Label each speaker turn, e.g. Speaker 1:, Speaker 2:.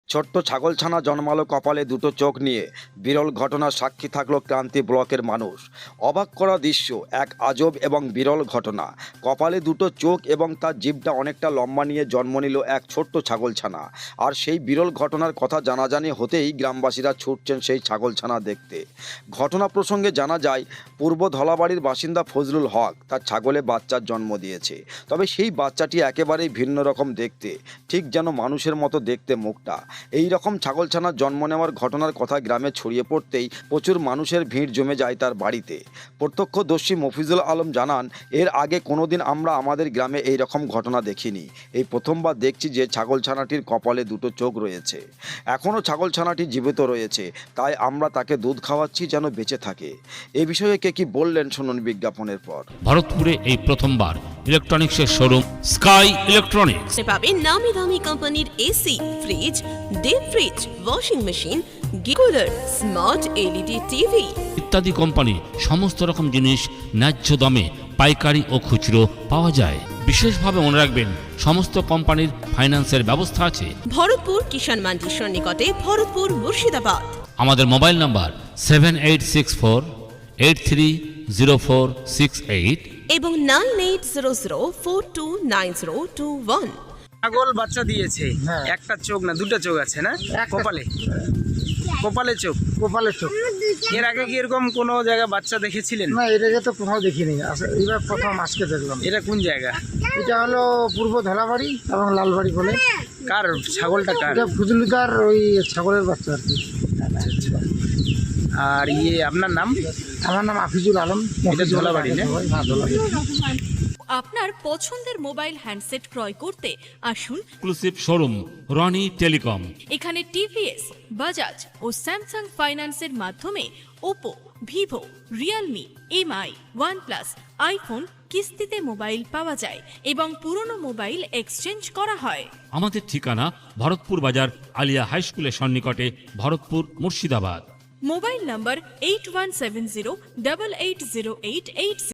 Speaker 1: ছোট্ট ছাগলছানা জন্মালো কপালে দুটো চোখ নিয়ে। বিরল ঘটনার সাক্ষী থাকলো ক্রান্তি ব্লকের মানুষ। অবাক করা দৃশ্য, এক আজব এবং বিরল ঘটনা। কপালে দুটো চোখ এবং তার জিভটা অনেকটা লম্বা নিয়ে জন্ম নিল এক ছোট্ট ছাগলছানা। আর সেই বিরল ঘটনার কথা জানাজানি হতেই গ্রামবাসীরা ছুটছেন সেই ছাগলছানা দেখতে। ঘটনা প্রসঙ্গে জানা যায়, পূর্ব ধলাবাড়ির বাসিন্দা ফজলুল হক তার ছাগলে বাচ্চার জন্ম দিয়েছে। তবে সেই বাচ্চাটি একেবারেই ভিন্ন রকম দেখতে, ঠিক যেন মানুষের মতো দেখতে মুখটা। এই রকম ছাগলছানার জন্ম নেওয়ার ঘটনার কথা গ্রামে ছড়িয়ে পড়তেই প্রচুর মানুষের ভিড় জমে যায় তার বাড়িতে। প্রত্যক্ষদর্শী মফিজুল আলম জানান, এর আগে কোনোদিন আমরা আমাদের গ্রামে এই রকম ঘটনা দেখিনি। এই প্রথমবার দেখছি যে ছাগলছানাটির কপালে দুটো চোখ রয়েছে। এখনও ছাগলছানাটি জীবিত রয়েছে, তাই আমরা তাকে দুধ খাওয়াচ্ছি যেন বেঁচে থাকে। এ বিষয়ে কে কি বললেন শুনুন বিজ্ঞাপনের পর।
Speaker 2: ভারতপুরে এই প্রথমবার ইলেকট্রনিক্সের শোরুম স্কাই ইলেকট্রনিক্স
Speaker 3: পাবেন নামি দামি কোম্পানির AC, fridge, deep fridge, washing machine, cooler, smart LED TV
Speaker 2: ইত্যাদি কোম্পানি সমস্ত রকম জিনিস ন্যায্য দামে পাইকারি ও খুচরো পাওয়া যায়। বিশেষভাবে মনে রাখবেন, সমস্ত কোম্পানির ফাইন্যান্সের ব্যবস্থা আছে।
Speaker 3: ভরতপুর কিষাণ মান্ডির সন্নিকটে, ভরতপুর, মুর্শিদাবাদ।
Speaker 2: আমাদের মোবাইল নাম্বার 7864830468
Speaker 3: এবং 9800429021।
Speaker 4: ছাগল বাচ্চা দিয়েছে, একটা চোখ না দুটো চোখ আছে না কপালে? কপালে চোখ,
Speaker 5: কপালের চোখ।
Speaker 4: এর আগে কি এরকম কোনো জায়গায় বাচ্চা দেখেছিলেন?
Speaker 5: না, এটাকে তো কোথাও দেখিনি, এবার প্রথম আজকে দেখলাম।
Speaker 4: এটা কোন জায়গা?
Speaker 5: এটা হলো পূর্ব ধলাবাড়ি এবং লালবাড়ি বলে।
Speaker 4: কার ছাগলটা কার?
Speaker 5: এটা ফুজলুদার ওই ছাগলের বাচ্চা আর কি।
Speaker 4: আর আপনার নাম?
Speaker 5: আমার নাম আফিজুল আলম।
Speaker 4: এটা ধলাবাড়ি না?
Speaker 5: হ্যাঁ, ধলাবাড়ি।
Speaker 6: আপনার পছন্দের মোবাইল হ্যান্ডসেট ক্রয় করতে আসুন
Speaker 2: এক্সক্লুসিভ শোরুম রনি টেলিকম।
Speaker 6: এখানে টিভিএস, বাজাজ ও স্যামসাং ফাইন্যান্সের মাধ্যমে Oppo, Vivo, Realme, MI, OnePlus, iPhone কিস্তিতে মোবাইল পাওয়া যায় এবং পুরনো মোবাইল এক্সচেঞ্জ করা হয়।
Speaker 2: আমাদের ঠিকানা ভরতপুর বাজার আলিয়া হাই স্কুলের সন্নিকটে, ভরতপুর, মুর্শিদাবাদ।
Speaker 6: মোবাইল নম্বর 8170880886।